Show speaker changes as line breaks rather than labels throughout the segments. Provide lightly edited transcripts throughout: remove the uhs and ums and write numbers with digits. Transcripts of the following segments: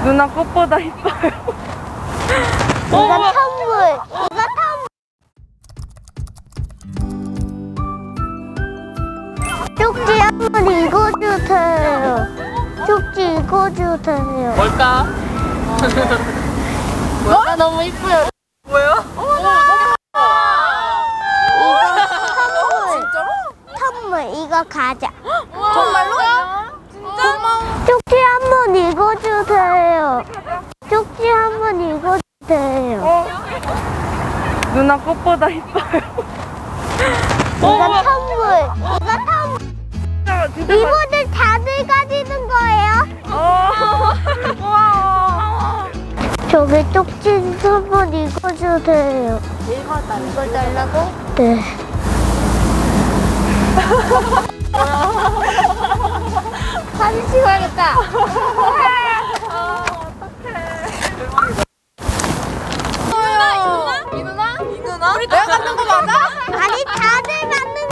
누나 꽃보다 이뻐요.
이거 선물. 이거 선물. 쪽지 한번 읽어주세요. 쪽지 읽어주세요.
뭘까? 뭘까? 너무 이뻐요.
뭐야?
선물. 이거 가자.
정말로? 진짜? 고마워.
쪽지 한번 읽어주세요. 쪽지 한번 읽어주세요.
누나 꽃보다 이뻐요.
이거 선물. 이거 선물.
진짜
이모들 다들 가지는 거예요?
고마워.
저기 쪽지 한번 읽어주세요. 읽어달라고? 네. 사진 찍어야겠다.
이 누나? 우리 내가 갖는 거 맞아?
아니 다들 받는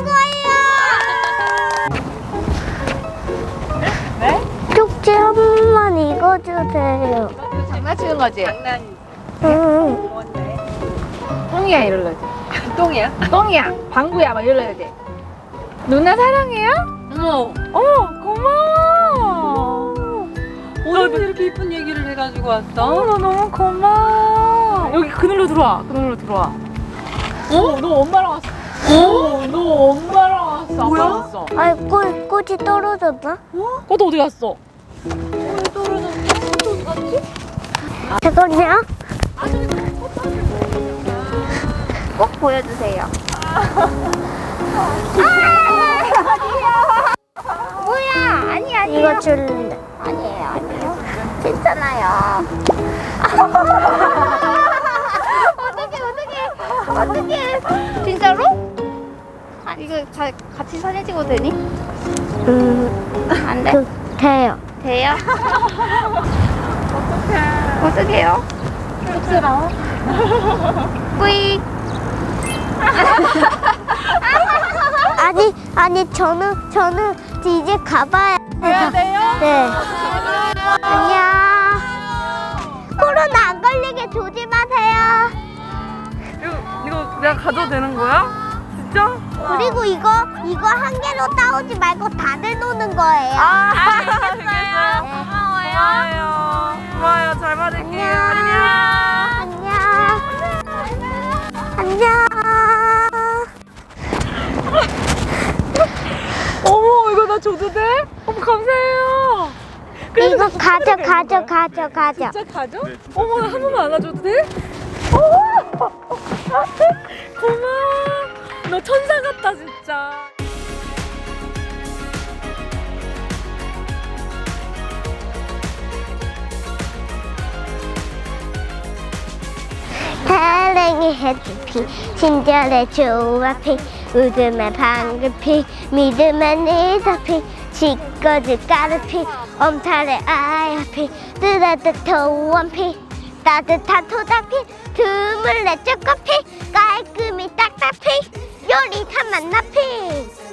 거예요.
네?
쪽지 한 번만 읽어주세요.
장난치는 거지?
응.
똥이야 이럴래. 똥이야? 똥이야. 방구야 막 이럴래 돼. 누나 사랑해요?
고마워.
어디서 이렇게 이쁜 얘기를 해가지고 왔어?
나 너무 고마워. 여기 그늘로 들어와. 그늘로 들어와.
너 엄마랑 왔어. 너 엄마랑 왔어.
뭐야?
아빠랑 왔어.
아이 꽃이 떨어졌나?
꽃 어디 갔어?
잠깐요. 꼭 보여주세요. 뭐야? 아니야. 이거 줄래. 아니에요. 괜찮아요. 어떡해. 진짜로? 이거 같이 사진 찍어도 되니? 안 돼? 돼요. 돼요? 어떡해요? 쑥스러워? 꾸익. 아니 저는 이제 가봐야 돼요. 네. 안녕. 코로나 안 걸리게 조심하세요.
이거 내가 가져도 되는 거야? 진짜?
그리고 이거 한 개로 따오지 말고 다들 노는 거예요.
알겠어요. 고마워요. 잘 받을게요.
안녕.
어머, 이거 나 줘도 돼? 어머, 감사해요.
이거 가져.
진짜 가져? 어머, 나 한 번만 안아줘도 돼? 고마워. 너 천사 같다, 진짜.
사랑의 해피피 친절의 조화피 웃음의 방글피 믿음의 니다피 짓거지 까르피 엄탈의 아야피 뜨뜻한 피 따뜻한 토닥피 드물의 쪼꼬피 깔끔히 딱딱피 요릿한 만나피